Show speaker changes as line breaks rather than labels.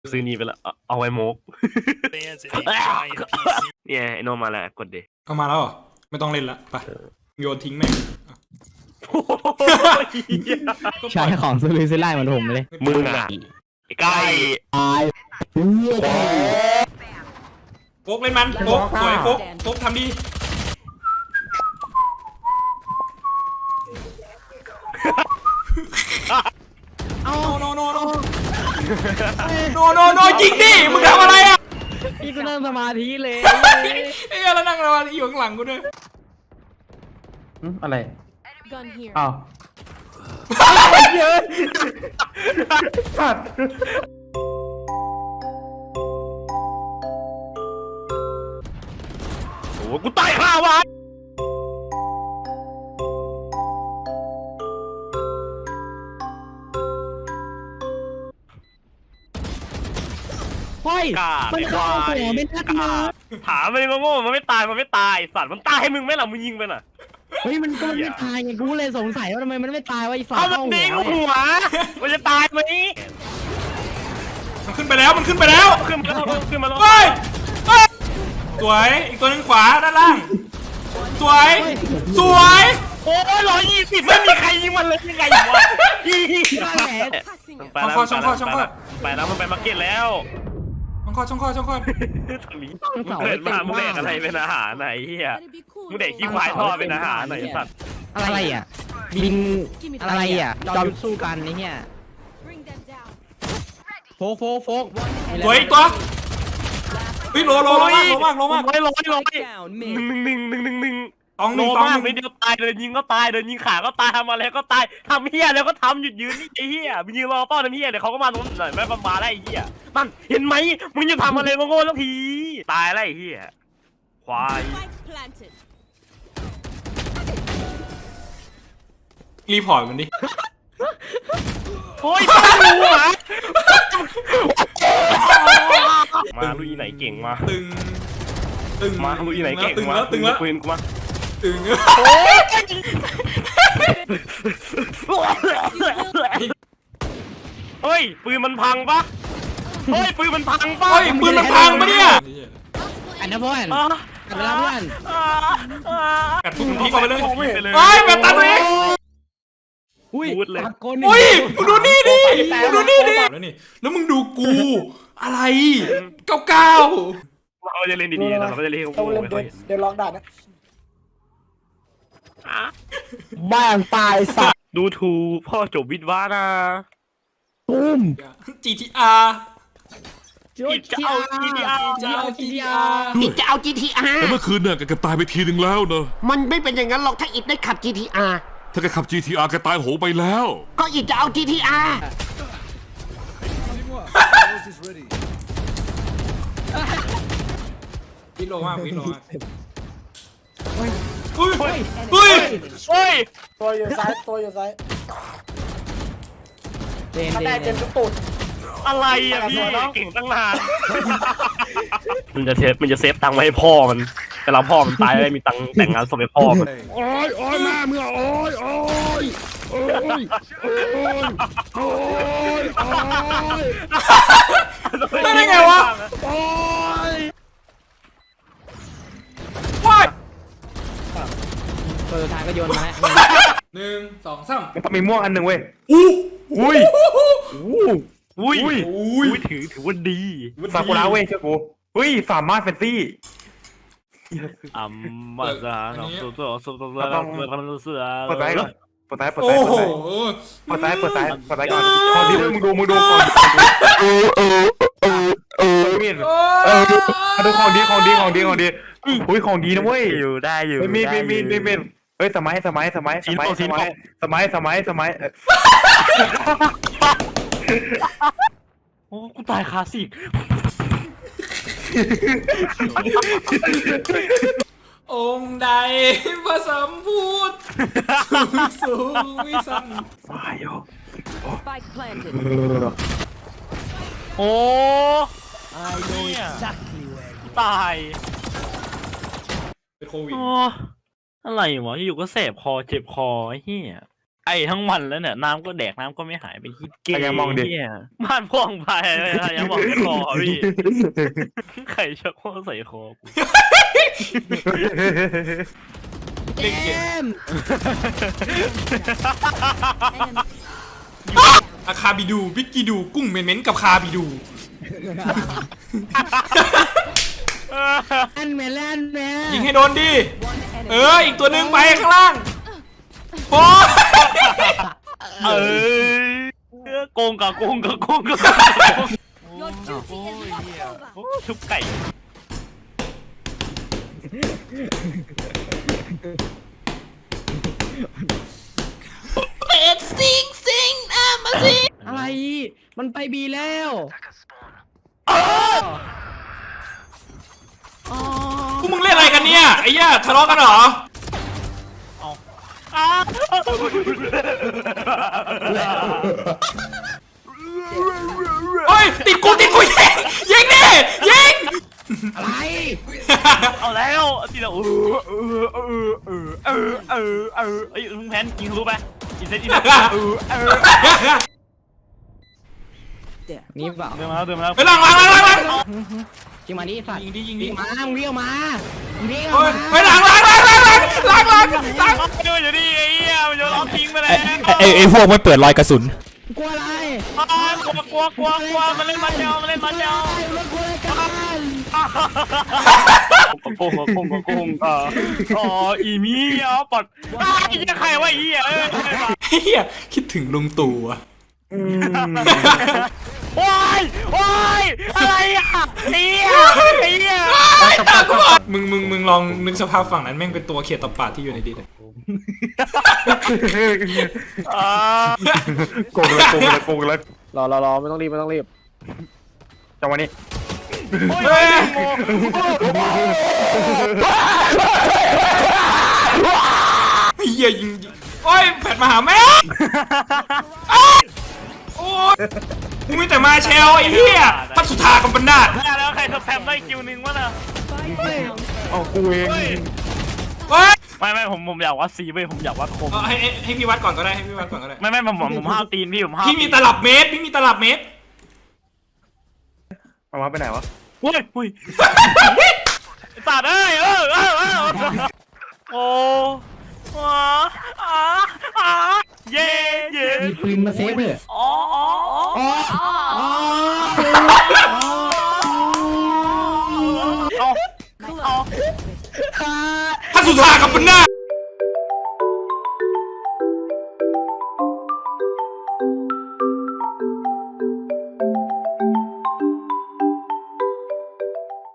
ซื้อนี่ไปละเอาไว้โมกเนี่ยไอโนมาแล้วกดเด
เอามาแล้วเหรอไม่ต้องเล่นละไปโยนทิ้งแม่ง
ใช้ของซื้อซื้อไล่มาผมเลย
มึงอ่ะใกล้
โฟกเล่นมันโฟกสวยโฟกทำดีเอาโนยิงดิมึงทำอะไรอ่ะ
พี่ก็นั่งสมาธิเลย
เอ้ยแล้วนั่งรออยู่ข้างหลังกูด้วย
อะไร
Gun here.
อ้าว
โอ้กูตายข้าวะ
เฮ้ย
กา
มันเข้าหัวไม่ทักมา
ถามมันโง่มันไม่ตายสัตว์มันตายให้มึงไหมล่ะมึงยิงไปน่ะ
เฮ้ยมันก็ไม่ตายไงกูเลยสงสัยว่าทำไมมันไม่ตายวะไอ้ฝ่า
เอามัน
เข้า
ดี
หัว
หัวมันจะตายไหม
มันขึ้นไปแล้วขึ้นมาแล้ว
เฮ้ย
สวยอีกตัวนึงขวาด้านล่างสวย
โอ้ย120ไม่มีใครยิงมันเลยยังไงวะ
Passing
ไปแล้วไปแล้วมันไปมาร์เก็ตแล้ว
ช่องคลอด
ทำนี้เกิดมามึงแดกอะไรเป็นอาหารไหนเฮีย
Let it be cool.
มึงแดกขี้ควายทอดเป็นอาหารไหนสัตว์
อะไรอ่ะบินอะไรอ่ะจอมยุทธสู้กันไอ้เนี่ย
Bring them down.
โฟก
สวยอีกตัวเฮ้ยโลมาก
ร้อย1
ตองห
โล
นึ่งตอง
มาก
ห
ไม่
นึ่ง
เดียวตายเดินยิงก็ตายเดินยิงขาก็ตายทำอะไรก็ตายทำเฮียแล้วก็ทำหยุดยืนนี่ไอ้เฮียมึงยืนรอเป้าทำเฮียเดี๋ยวเขาก็มาตรงไหนไม่มาได้ไอ้เฮียนั่นเห็นไหมมึงจะทำอะไรโง่ๆสักทีตายแล้วไอ้เฮียควาย
Spike planted.
รีพอร์ตมันดิ
โอ้ยไม่รู้หรอมาลุยไหนเก่งมา
ตึง
มาลุยไหนเก่ง
ตึง
มา
แล้ว
ปืนกูมา
ตึง
เฮ้ยปืนมันพังปะเฮ้ยปืนมันพังปะ
เฮ้ยปืนมันพังปะเนี่ย
อันนั้นเพื่อน
อ่ะ
อันนั้นเพื่อน
กัดทุกทีก่อนไปเลย
ไปเลย
เฮ้ยแบบตัดเลย
อุ้ย
พูดเลย
ตะโกน
อุ้ยมึงดูนี่ดิมึงดูนี่ดิแล้วมึงดูกูอะไรเก้า
เราจะเล่นดีๆนะเราจะเล่นของ
ต้อง
กู
เล่น
ไม่ค่อย
เดี๋ยวลองด่านะ
บ้านตายสัตว์
ดูถูกพ่อจบวิทย์วานะ
ตุ้ม
GTR
อิดจะเอา GTR
จะเอา GTR
อิดจะเอา GTR
แต่เมื่อคืนเนี่ยแกตายไปทีหนึ่งแล้วเนอะ
มันไม่เป็นอย่างนั้นหรอกถ้าอิดได้ขับ GTR
ถ้าแกขับ GTR แกตายโหงไปแล้ว
ก็อิดจะเอา GTR
วิโลมาก อุ้ย
เฮ้ย
ตัวอยู่ซ้าย
เจน
ถ้าได้เต็ม
เจ
ทุ
น
กตูด
อะไรอ่ะพี่เก่งตั้งนานมันจะเซฟตังค์ไว้ให้พ่อมันเวลาพ่อมันตายได้มีตังค์แต่งงานศพให้พ่อมัน
โอ้ยแม่เมื่อโอ้ย
ได้ไงวะว้าย
ตัวสุดท้ายก็โยนมาแล้ว
1 2 3
ต้องมีม่วงอันหนึ่งเว้ย
อุ้ยถือว่าดี
ซากุระเว้ยเชื่อกูเฮ้ยสามารถเฟนซี่
มาซะน้องตัวเสือ
เปิดซ้ายก่อนเปิดซ้าย
โอ้โห
ก่อนของดีมึงดูก่อนมีดดูของดีอุ้ยของดีนะเว้ย
อยู่ได้อยู่
มีเฮ้ยสมัย
โอ้กูตายคาสิก
องค์ใดผสมพูดสูงวิสัน
Spike planted.
โอ้ตาย
เป็นโควิด
อะไรวะอยู่ก็แสบคอเจ็บคอไอ้เหี้ยไออ้ทั้งวันแล้วเนี่ยน้ำก็แดกน้ำก็ไม่หายไปคิดเก
ยังมองดิ
เนี่ยบ้านพ่องไปยังมองในคอพี่ไข่ชักโครกใส่คอกู
เกม
อาคาบิดูบิกกิดูกุ้งเม้นๆกับคาบิดู
แอนแมนแอนแมน
ยิงให้โดนดิ อีกตัวหนึ่งไปข้างล่างโอ้
โกงกับโกงกับโกงกับ
Your duty is not over.
ชุบไก่
เป็ดซิงมาสิ
อะไร มันไปบีแล้วอ๋อ
พวกมึงเล่นอะไรกันเนี่ยไอ้ย่าทะเลาะกันเหรอเฮ้ยติดกูยิงดิยิง
อะไร
เอาแล้วทีละไอ้ลุงแพนยิงรู้ไหมอินเซน
นี่เปล่า
เดินมาแล้วเดินมาแล้ว
ไปหลัง
จริงมาดิสัตว์
ยิงดิ
วิ่งมามึงเรียกมามึงเรียก
เฮ้ย
มา
ไปหลัง
เดี๋ยวดิไอ้เหี้ยมันโยนเอาทิ้งไปแล้ว
ไอ้พวกมันเปิดรอยกระสุน
กลัวอะไร
กลัวมันเล่นมันเดียวมันเล่นมันเดียว
มันกลัวอะไรกัน
โกงอ๋ออีมีอ๋อปอดไอ้เหี้ยใครวะไอ้เหี้ย
เฮียคิดถึงลุงตู่อะ
โอ้ยอะไรอ่ะไอ้เหี้ย
มึงลองนึกสภาพฝั่งนั้นแม่งเป็นตัวเขียดตบปาดที่อยู่ในดินอะ
โกงเลย
รอไม่ต้องรีบ
จังหวะนี้
เฮียยิงโอ้ยแผดมาหาแม่โอ้ยกูมีแต่มาเชลไอ้เหี้ยพัดสุธากับบันดาล
แล้วใครสแปมได้คิวนึงวะน่ะ
เอากูเอง
เฮ้ย
ไม่ผมอยากวัดซีเว้ยผมอยากวัดคม
ให้พี่วัดก่อนก็ได้ให้พี่วัดก่อนก็ได้
ไม่ผมห้าวตีนพี่ผมห้าว
พี่มีตลับเมตร
เอามาไปไหนวะ
อุ้ยตัดเอ้ยโอ้เย่
มีปืนมาเซฟเลย
อ๋อ
อ๋อ